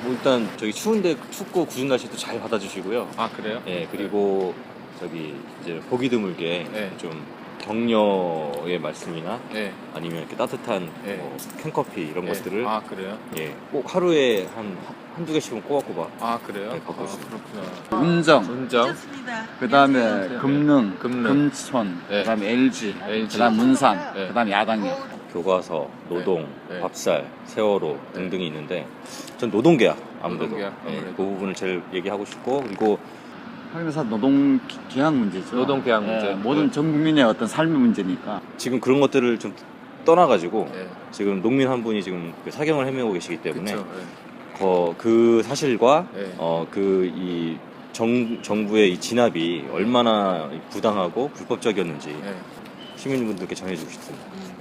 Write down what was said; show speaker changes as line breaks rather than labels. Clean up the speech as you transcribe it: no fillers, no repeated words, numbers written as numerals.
뭐 일단 저기 추운데 춥고 굳은 날씨도 잘 받아주시고요.
아 그래요?
예, 그리고 저기 이제 보기 드물게
네.
좀 격려의 말씀이나
네.
아니면 이렇게 따뜻한
네.
뭐 캔커피 이런
네.
것들을
아 그래요?
예, 꼭 하루에 한두 개씩은 꼬박꼬박
아 그래요?
네, 갖고
아,
있습니다.
그렇구나.
운정,
운정,
그 다음에 금능,
금능.
금촌,
네.
그 다음에 LG,
LG.
그 다음 문산,
네.
그 다음에 야당이요.
교과서, 노동,
네.
밥살, 세월호
네.
등등이 있는데 전 노동계약 아무래도,
노동계약,
예,
아무래도.
그 부분을 제일 얘기하고 싶고 그리고
확인해서 노동 계약 문제죠.
노동 계약 문제.
모든
네.
전 국민의 어떤 삶의 문제니까.
지금 그런 것들을 좀 떠나가지고
네.
지금 농민 한 분이 지금 그 사경을 헤매고 계시기 때문에
그쵸.
그 사실과
네.
그 이 정부의 이 진압이 얼마나 부당하고 불법적이었는지
네.
시민분들께 전해주고 싶습니다.